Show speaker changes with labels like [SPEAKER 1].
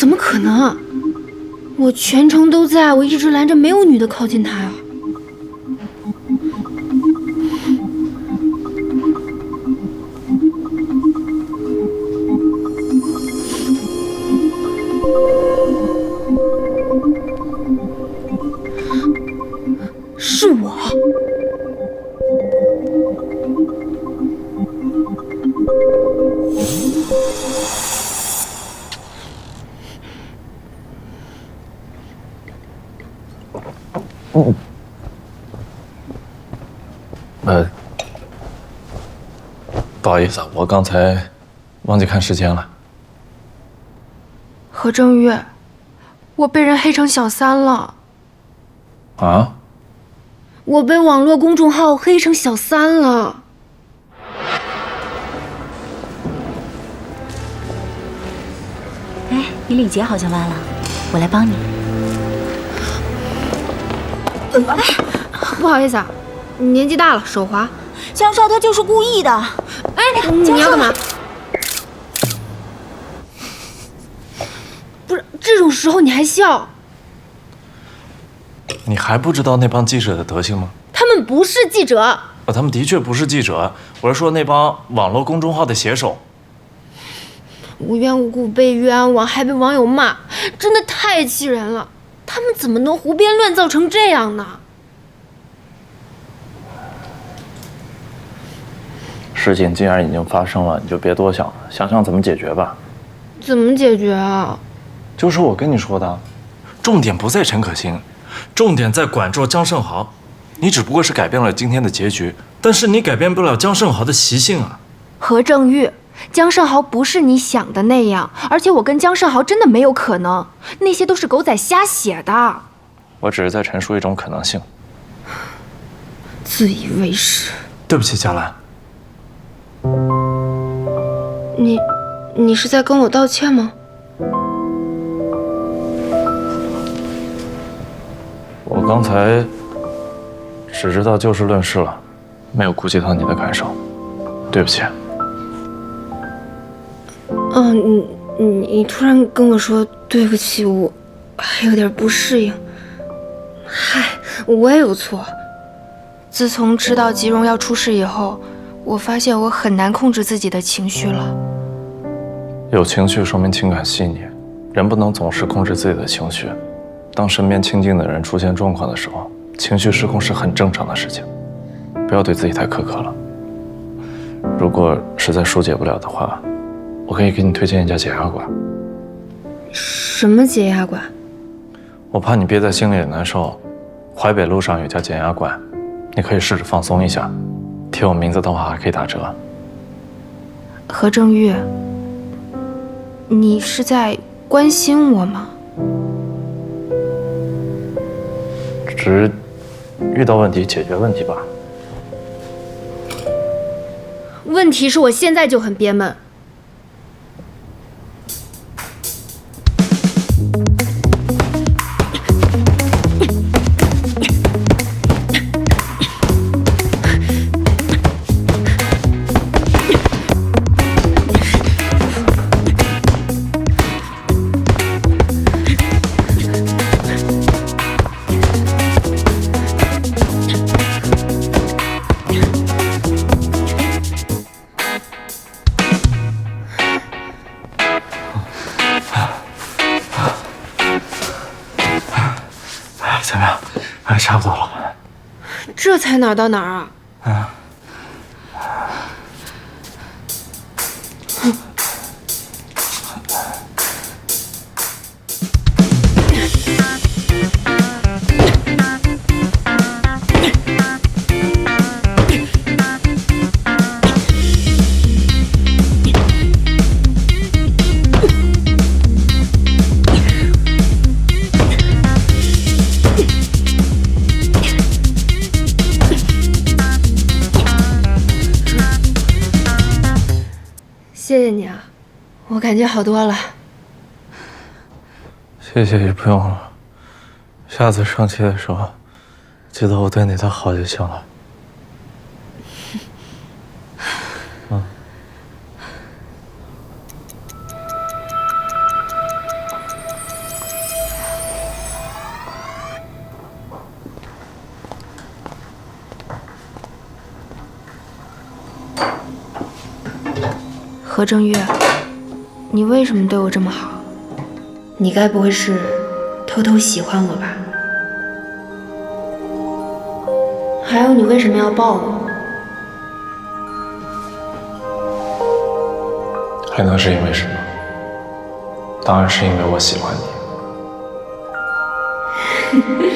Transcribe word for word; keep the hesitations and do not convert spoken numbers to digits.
[SPEAKER 1] 怎么可能啊？我全程都在，我一直拦着没有女的靠近他呀。是我。
[SPEAKER 2] 嗯。呃，不好意思，我刚才忘记看时间了。
[SPEAKER 1] 何正玉，我被人黑成小三了。
[SPEAKER 2] 啊？
[SPEAKER 1] 我被网络公众号黑成小三了。
[SPEAKER 3] 哎，你领结好像弯了，我来帮你。
[SPEAKER 1] 哎，不好意思啊，年纪大了手滑。
[SPEAKER 3] 江少他就是故意的。
[SPEAKER 1] 哎，你要干嘛？不是，这种时候你还笑？
[SPEAKER 2] 你还不知道那帮记者的德行吗？
[SPEAKER 1] 他们不是记者。
[SPEAKER 2] 啊，他们的确不是记者，我是说那帮网络公众号的写手。
[SPEAKER 1] 无缘无故被冤枉，还被网友骂，真的太气人了。他们怎么能胡编乱造成这样呢？
[SPEAKER 2] 事情既然已经发生了，你就别多想了，想想怎么解决吧。
[SPEAKER 1] 怎么解决啊？
[SPEAKER 2] 就是我跟你说的，重点不在陈可辛，重点在管住江胜豪。你只不过是改变了今天的结局，但是你改变不了江胜豪的习性啊。
[SPEAKER 1] 何正玉，江胜豪不是你想的那样，而且我跟江胜豪真的没有可能，那些都是狗仔瞎写的。
[SPEAKER 2] 我只是在陈述一种可能性。
[SPEAKER 1] 自以为是。
[SPEAKER 2] 对不起，佳兰。
[SPEAKER 1] 你，你是在跟我道歉吗？
[SPEAKER 2] 我刚才只知道就事论事了，没有顾及到你的感受，对不起。
[SPEAKER 1] 嗯，你你你突然跟我说对不起，我还有点不适应。嗨，我也有错。自从知道吉荣要出事以后，我发现我很难控制自己的情绪了。
[SPEAKER 2] 有情绪说明情感细腻，人不能总是控制自己的情绪。当身边亲近的人出现状况的时候，情绪失控是很正常的事情，不要对自己太苛刻了。如果实在疏解不了的话，我可以给你推荐一家解压馆。
[SPEAKER 1] 什么解压馆？
[SPEAKER 2] 我怕你憋在心里也难受，淮北路上有家减压馆，你可以试着放松一下。贴我名字的话还可以打折。
[SPEAKER 1] 何正玉，你是在关心我吗？
[SPEAKER 2] 只是遇到问题解决问题吧。
[SPEAKER 1] 问题是我现在就很憋闷。
[SPEAKER 2] 怎么样？哎，差不多了。
[SPEAKER 1] 这才哪儿到哪儿啊？
[SPEAKER 2] 嗯。
[SPEAKER 1] 谢谢你啊，我感觉好多了。
[SPEAKER 2] 谢谢也不用了，下次生气的时候，记得我对你的好就行了。嗯。
[SPEAKER 1] 何正月，你为什么对我这么好？你该不会是偷偷喜欢我吧？还有，你为什么要抱我？
[SPEAKER 2] 还能是因为什么？当然是因为我喜欢你。